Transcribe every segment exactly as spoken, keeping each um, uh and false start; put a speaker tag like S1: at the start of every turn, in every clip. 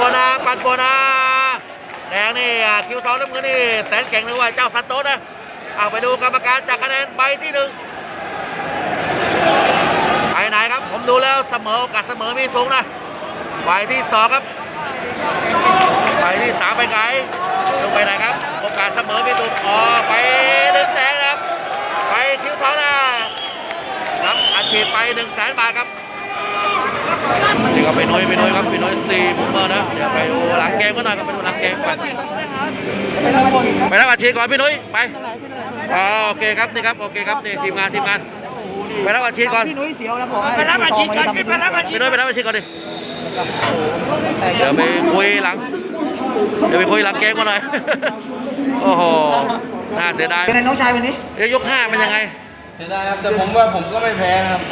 S1: นาปันโบนาแดงนี่คิวทองน้ำเงินนี่แสนเก่งเลยว่าเจ้าซันโตสนะเอาไปดูกรรมการจากคะแนนใบที่หนึ่งไปไหนครับผมดูแล้วเสมอโอกาสเสมอมีสูงนะใบที่สองครับใบที่สามไปไกลลงไปไหนครับโอกาสเสมอมีสูงอ๋อไปหนึ่งแสนนะครับไปคิวทองนะรับอัดฉีดไปหนึ่งแสนบาทครับนี่ก็ไปน้อยไปน้อยครับไปน้อยสี่มุมเมอร์นะเดี๋ยวไปดูหลังเกมก็หน่อยครับไปดูหลังเกมก่อนไปรับอัดฉีดก่อนพี่นุ้ยไปอ๋อโอเคครับนี่ครับโอเคครับนี่ทีมงานทีมงานไปรับอัดฉีดก่อนพี่นุ้ยเสียวแล้วผมไปรับอัดฉีดก่อนไปรับอัดฉีดพี่นุ้ยไปรับอัดฉีดก่อนดิเดี๋ยวไปคุยหลังเดี๋ยวไปคุยหลังเกมก็หน่อยโอ้โหน่าเสียดายเป็นน้องชายวันนี้เดี๋ยวยกห้าเป็นยังไง
S2: เสียดายครับแต่ผมว่าผมก็ไม่แพ้ครับ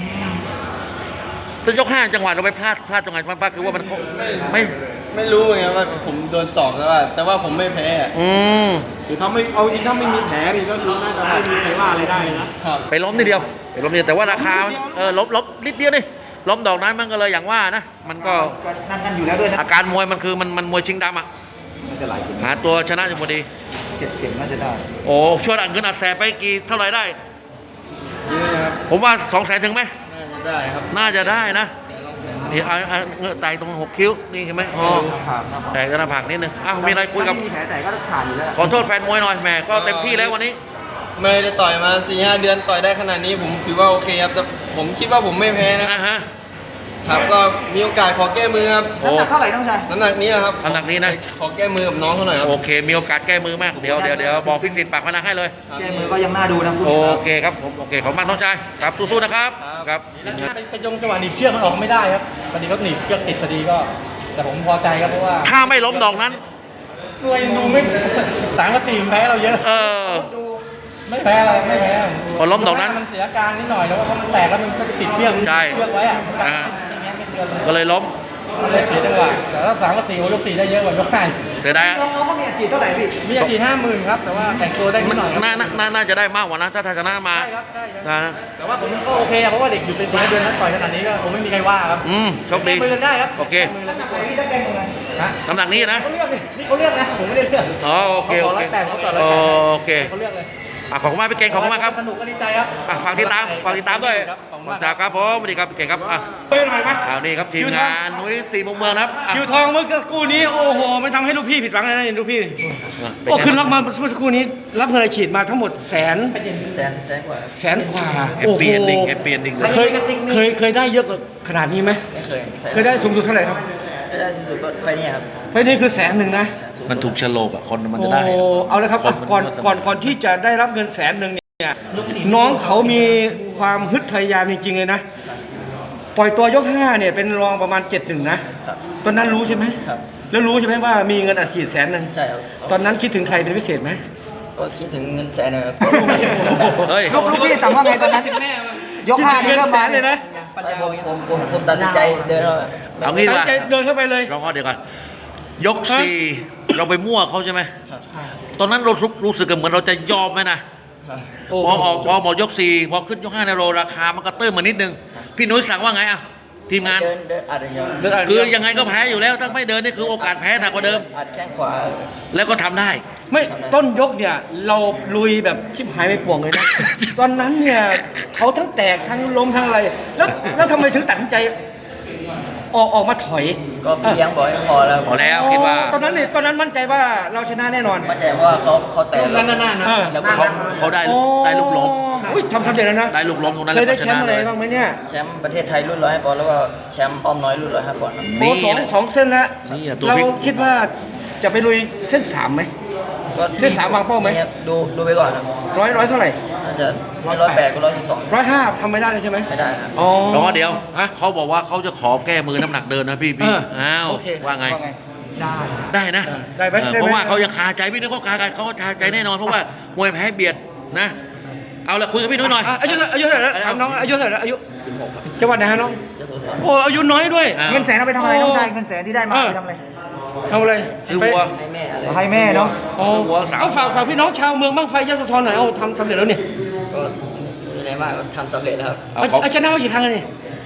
S1: จะยกห้าจังหวะเราไปพลาดพลาดตรงไหนพลาดคือว่ามันไม่
S2: ไม่รู้ไงว่าผมโดนสอบแล้วว่าแต่ว่าผมไม่แพ้
S1: อืม
S3: คือถ้าไม่เอาจริงถ้าไม่มีแผลนี่ก็คือน่าจะไม่มีใครว่าอะไรได้นะครับ
S1: ไปล้มนิดเดียวไปล้มนิดเดียวแต่ว่าราคาเออล้มล้มนิดเดียวนี่ล้มดอกนั้นมันก็เลยอย่างว่านะมันก็
S3: นั่นกันอยู่แล้วด้วยนะ
S1: อาการมวยมันคือมันมันมวยชิงดำอ่ะหาตัวชนะจะพอดี
S3: เจ็ดเข็มน่าจะได้
S1: โอ้ช่วยอัดเงินอัดแสบไปกี่เท่าไหร่ได้
S2: เยอะครับ
S1: ผมว่าสองแสนถึงไหม
S2: น่าจะได้ครับ
S1: น่าจะได้นะนี่เอาเงือกไตตรงหกคิ้วนี่ใช่ไหมอ๋อแต่กระผักนิดนึงอ้าวมีอะไรคุยกับ
S3: มีแผลแต่ก็ผ่านอยู่แล้ว
S1: ขอโทษแฟนมวยหน่อยแหมก็เต็มที่แล้ววันนี้
S2: ไม่ได้ต่อยมาสี่ห้าเดือนต่อยได้ขนาดนี้ผมถือว่าโอเคครับแต่ผมคิดว่าผมไม่แพ้นะครับก็มีโอกาสขอแก้มือครับ
S3: น้ำหนักเท่าไหร่น้องชาย
S2: น้ำหนักนี้นะครับ
S1: น้ำหนักนี้นะ
S2: ขอแก้มือกับน้องเขาหน่อยครับ
S1: โอเคมีโอกาสแก้มือมากเดี๋ยวเดี๋ยวเดี๋ยวบอกพิสิทธิ์ปากพนักให้เลย
S3: แก้มือก็ยังน่าดูนะ
S1: โอเคครับผมโอเคขอบคุณมากน้องชายครับสู้ๆนะครับครับ
S3: ไปจงจังหวะหนีบเชือกมันออกไม่ได้ครับพอดีเขาหนีบเชือกติดพอดีก็แต่ผมพอใจครับเพราะว่า
S1: ถ้าไม่ล้มดอกนั้น
S3: หน่วยดูไม่สามกับสี่แพ้เราเยอะ
S1: เออ
S3: ไม่แพ้เราไม่แพ้
S1: พอล้มดอกนั้น
S3: มันเสียการนิดหน่อยแล้วเพราะมันแตกแล้วมันก็ติดเชือก
S1: ใช่
S3: เชือกไว้อ่ะ
S1: ก็เลยล้ม
S3: เลยเสียจังหวะแต่ถ้าสามกับสี่ยกสี่ได้เยอะกว่ายกห้า
S1: เสียดาย
S3: น้องๆเขามีอาชีพเท่าไหร่พี่มีอาชีพห้าหมื่นครับแต่ว่าแต่งตัวได้นิดหน่อย
S1: น่าน่าน่าจะได้มากกว่านะถ้าชนะมา
S3: ใช่ครับใช่ครับแต่ว่าผมก็โอเคเพราะว่าเด็กอยู่เป็นสี่เดือนนั้นต่อยขนาดนี้ก็คงไม่มีใครว่าครับ
S1: อืมโชคดี
S3: มือได้ครับ
S1: โอเคน้ำหนักนี้นะ
S3: เขาเลือกนี่เขาเลือกนะผมไม่ได้เลือก
S1: อ๋อโอเคโอเคโอเค
S3: เขาเลือกเลย
S1: อ่ะขอบคุณมากพี่เก่งขอบคุณมากครับ
S3: สนุกก็ดีใจครับ
S1: อ่ะฝากติดตามฝากติดตามด้วยจากครับผมสวัสดีครับพี่เก่งครับอ่ะเอานี่ครับทีมงานนุ้ยสี่มุมเมืองครับ
S3: คิวทองเมื่อสักครู่นี้โอ้โหไม่ทำให้ลูกพี่ผิดหวังเลยนะลูกพี่โอ้ขึ้นรับมาเมื่อสักครู่นี้รับเงินฉีดมาทั้งหมดแสน
S2: แสนแสนกว่า
S3: แสนกว่า
S1: โอ้โหเปลี่ยนดิ่งเปลี่ยนดิ่ง
S3: เคยเคยเคยได้เยอะกว่าขนาดนี้ไหม
S2: ไม่เคย
S3: เคยได้สูงสุดเท่าไหร่ครับ
S2: ไม่ได้สูงสุดก็ไฟนี้ครับ
S3: ไฟนี้คือแสนหนึ่งนะ
S1: มันถูกฉลกอ่ะคนมันจะได้
S3: โอ้เอาเลยครับก่อนก่อนก่อนที่จะได้รับเงินแสนหนึ่งเนี่ยน้องเขามีความฮึดพยายามจริงๆเลยนะปล่อยตัวยกห้าเนี่ยเป็นรองประมาณเจ็ดหนึ่งนะตอนนั้นรู้ใช่ไหม
S2: ครับ
S3: แล้วรู้ใช่ไหมว่ามีเงินอัดฉีดแสนหนึ่ง
S2: ใช่ครับ
S3: ตอนนั้นคิดถึงใครเป็นพิเศษไหม
S2: ก็คิดถึงเงินแสนเลยครับ
S3: เฮ้ยลูกลูกพี่สั่งว่าไงตอนนั้นยกห้านี่เริ่มมาเลยนะ
S2: ผมผมผมตัดสินใจเดิน
S1: เอางี้ว่า
S3: เดินเข้าไปเลย
S1: ลองเดี๋ยวก่อนยกสี่เราไปมั่วเขาใช่ไหมตอนนั้นเรารู้สึกเหมือนเราจะยอมไหมนะพอออกพอบอกยกสี่พอขึ้นยกห้าในโรราคามันก็เติมมานิดนึงพี่นุ้ยสั่งว่าไงอ่ะทีมงาน
S2: เดินเดินอัดอย่างเดียว
S1: คือยังไงก็แพ้อยู่แล้วถ้าไม่เดินนี่คือโอกาสแพ้หนักกว่าเดิม
S2: อัดแข้งขวา
S1: แล้วก็ทำได้
S3: ไม่ต้นยกเนี่ยเราลุยแบบชิบหายไปป่วงเลยนะตอนนั้นเนี่ยเขาทั้งแตกทั้งล้มทั้งอะไรแล้วแล้วทำไมถึงตัดสินใจออกออกมาถอย
S2: ก็พี่เลี้ยงบอกให้พอแล้ว
S1: พอแล้วคิดว่า
S3: ตอนนั้นเนี่ยตอนนั้นมั่นใจว่าเราชนะแน่นอน
S2: มั่นใจว่าเขาเขาแตะ
S3: แล้วนั่นๆนะ
S1: แล้วเขาเขาได้ได้ลูกล้ม
S3: อุ้ยทำสำเร็จแล้วนะ
S1: ได้ลูกล้มตรงนั้น
S3: เคยได้แชมป์อะไรบ้างไหมเนี่ย
S2: แชมป์ประเทศไทยรุ่นร้อยห้าปอนด์แล้วก็แชมป์อ้อมน้อยรุ่นร้อยห้าปอนด์
S3: โอ้สองสองเส้นแล้วเราคิดว่าจะไปลุยเส้นสามไหมเส้นสามวางเป้าไหม
S2: ดูดูไปก่อนครับ
S3: ร้อยร้อยเท่าไหร่
S2: น่าจะร้อยแปดก็ร้อยสิบสอง
S3: ร้อยห้าทำไม่ได้เลยใช่ไหม
S2: ไม่ได้ครับ
S3: อ๋อ
S1: รอเดี๋ยวเขาบอกว่าเขาจะขอแก้มือน้ำหนักเดินนะพี่พี่อ้าวว่าไง
S3: ได้
S1: ได้นะ
S3: ได้ไหม
S1: เพราะว่าเขายังคาใจพี่นึกเขาคาใจเขาคาใจแน่นอนเพราะว่ามวยแพ้เบียดนะเอาละคุยกับพี่นุ้ยหน่อย
S3: อายุอายุเท่าไหร่แล้วน้องอายุเท่าไหร่อายุ
S2: สิบหก
S3: จังหวัดไหนฮะน้องโอ้อายุน้อยด้วยเงินแสนเอาไปทำอะไรน้องชายเงินแสนที่ได้มาไปทำอะไรทำอะไร
S1: ซื้อวัว
S2: ให้แม่
S3: ให้แม่เนาะ
S1: ซื้อวัวสาว
S3: เอาฝากฝากพี่น้องชาวเมืองบ้างไฟยโสธรหน่อยเอาทำสำเร็จแล้วเนี่ย
S2: ก็มีอะไรมากทำสำเร็จแล้วครับ
S3: เอาชนะมากี่ครั้งเลย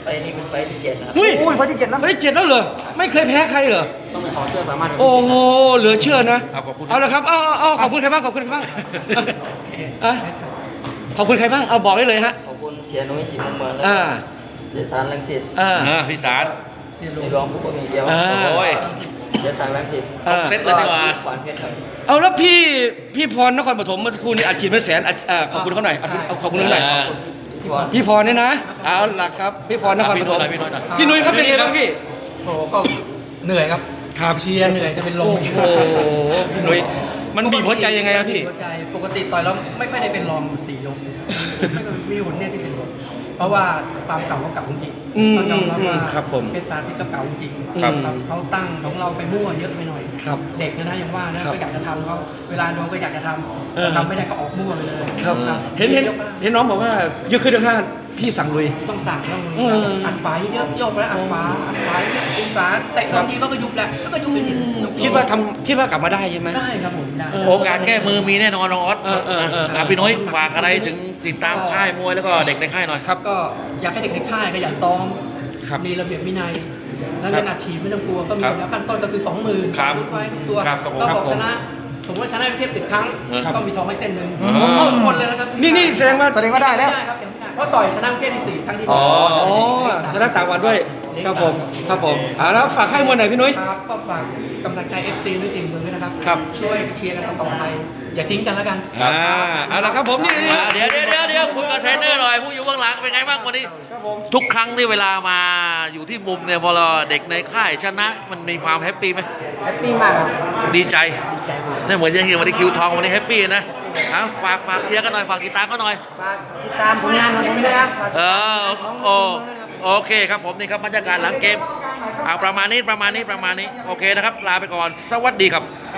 S2: นี้เป็นไฟที่เจ็ดนะครับ
S3: เฮ้ยไฟที่เจ็ดแล้วไฟที่เจ็ดแล้วเหรอไม่เคยแพ้ใครเหรอ
S2: ต้องไปขอเสื้อสามารถ
S3: โอ้โหเหลือเชื่อนะ
S1: เอาขอบคุณ
S3: เอาละครับเอาเอาเอาขอบคุณใครบ้างขอบคุณใครบ้างอ่ะขอบคุณใครบ้างเอาบอกได้เลยฮะ
S2: ขอบคุณเชียร์นุ้ยสีมุมเมืองและ
S3: อ่า
S2: เสียสารลังสิต
S3: อ่า
S1: เออพี่สาร
S2: ในรองผู้บริหารเดียว
S3: อ่า
S1: โอ้ย
S2: เสียสารลังสิต
S3: อ่า
S1: เซ็ตเลยดีกว่า
S2: ขวานเพชรครับ
S3: เอาแล้วพี่พี่พรนครปฐมเมื่อสักครู่นี้อัดฉีดเป็นแสนอัดอ่าขอบคุณเขาหน่อยเอาเอาขอบคุณเขาหน่อย
S1: อ่า
S2: พี่บอล
S3: พี่พรเนี่ยนะเอาล่ะครับพี่พรนครปฐม
S1: พี่หน่อยพี่หน่อย
S3: พี่นุ้ยครับเป็นไงบ้างพี่
S4: โอ้ก็เหนื่อยครับ
S3: ครับ
S4: เชียร์เหนื่อยจะเป็นลม
S3: โอ้โหพี่นุ้ยมันบีบหัวใจยังไงครับพี่
S4: บีบหัวใจปกติต่อยแล้วไม่ค่อยได้เป็นรองสี่ยกไม่ก็มีหุ่นเนี่ยที่เป็นรองเพราะว่าความเก่าเขาเก่าจริง
S3: อืม
S4: ต้องยอมรับว่า
S3: ครับผม
S4: เพชรสาธิตก็เก่าจริง
S3: ครับ
S4: เขาตั้งของเราไปมั่วเยอะไปหน่อย
S3: ครับ
S4: เด็กนะยังว่านะครับ ก็อยากจะทำเขาเวลาโดนก็อยากจะท
S3: เออ
S4: ำทำไม่ได้ก็ออกมั่วไปเลย
S3: ครับ
S4: ครับ
S3: เห็นเห็น
S4: ยกมาก
S3: เห็นน้องบอกว่าเยอะขึ้นยกห้าพี่สั่งลุย
S4: ต้องสั่งต้อง
S3: เออ
S4: อัดฝาเยอะๆโยกแล้วอัดฝาอัดฝาเยอะตีฝาเตะตอนนี้ก็ยุบแล้วแล้วก็ยุบไปอีกยุบ
S3: คิดว่าทำคิดว่ากลับมาได้ใช่ไหม
S4: ได้ครับผมได้
S3: เออ
S1: โอกาสแก้มือมีแน่นอนน้องออส
S3: เออเออเออ
S1: อ่ะพี่น้อยฝากอะไรถึงติดตามค่ายมวยแล้วก็เด็กในค่ายหน่อย
S4: ครับก็อยากให้เด็กในค่ายขยันซ้อม
S3: ครับ
S4: มีระเบียบวินัย แล้ว
S3: ครั
S4: เงิ
S3: บ
S4: นอัดฉีดไม่ต้องกลัวก็มี
S1: ครับ
S4: แล้วขั้นต้นก็คือสองหมื่น
S1: ครับ
S4: รุดไว้ทุกตัว
S1: ครับครับผม
S4: ก็
S3: ครับ
S4: บอก
S3: ผม
S4: ชนะสมมติว่าชนะเทียบสิบครั้ง
S1: ครับ
S4: ก็มีทองให้เส้นหนึ่ง
S1: อ๋อ
S4: ทุกคนเลยนะครับ
S3: นี่นี่แสดงว่า
S4: แสดงว่าได้แล้วครับยังไม่ได้เพราะต่อยชนะเทียบที่สี่ครั้งที่
S3: อ๋อ
S4: เลขสาม
S3: ชนะต่างวันด้วย
S4: เลข
S3: ครับ
S4: สา
S3: ผมครับผมอ่าแล้วฝากให้มวยหน่อยพี่นุ้ย
S4: ครับก็ฝากกำลังใจ เอฟ ซี ด้วยสิ่งเมืองด้วยนะครับ
S3: ครับ
S4: ช่วยเชียร์กันต่อๆไปอย่าทิ้งกันแล้วกัน
S3: อ่าเอาละครับผมนี่
S1: อ่ะเดี๋ยวเดี๋ยวเดี๋ยวเดี๋ยวคุยกับเทรนเนอร์หน่อยผู้อยู่เบื้องหลังเป็นไงบ้างวันนี้
S3: ครับผม
S1: ทุกครั้งที่เวลามาอยู่ที่มุมเนี่ยพอเราเด็กในค่ายชนะมันมีความแฮปปี้ไหม
S4: แฮปปี้มากครับ
S1: ดีใจ
S4: ดีใจมาก
S1: เนี่ยเหมือนจะเห็นวันนี้คิวทองวันนี้แฮปปี้นะเอาฝากฝากเชียร์กันหน่อยฝากติดตามกันหน่อย
S4: ฝากติดตามผลงานของผมด้วยครับฝากติด
S1: เอ
S4: ตาม
S1: อ
S4: ผลงานของ
S1: โอ
S4: ผมด้วยนะครับ
S1: โอเคครับผมนี่ครับบรรยากาศหลังเกมเอาประมาณนี้ประมาณนี้ประมาณนี้โอเคนะครับลาไปก่อนสวัสดีครับ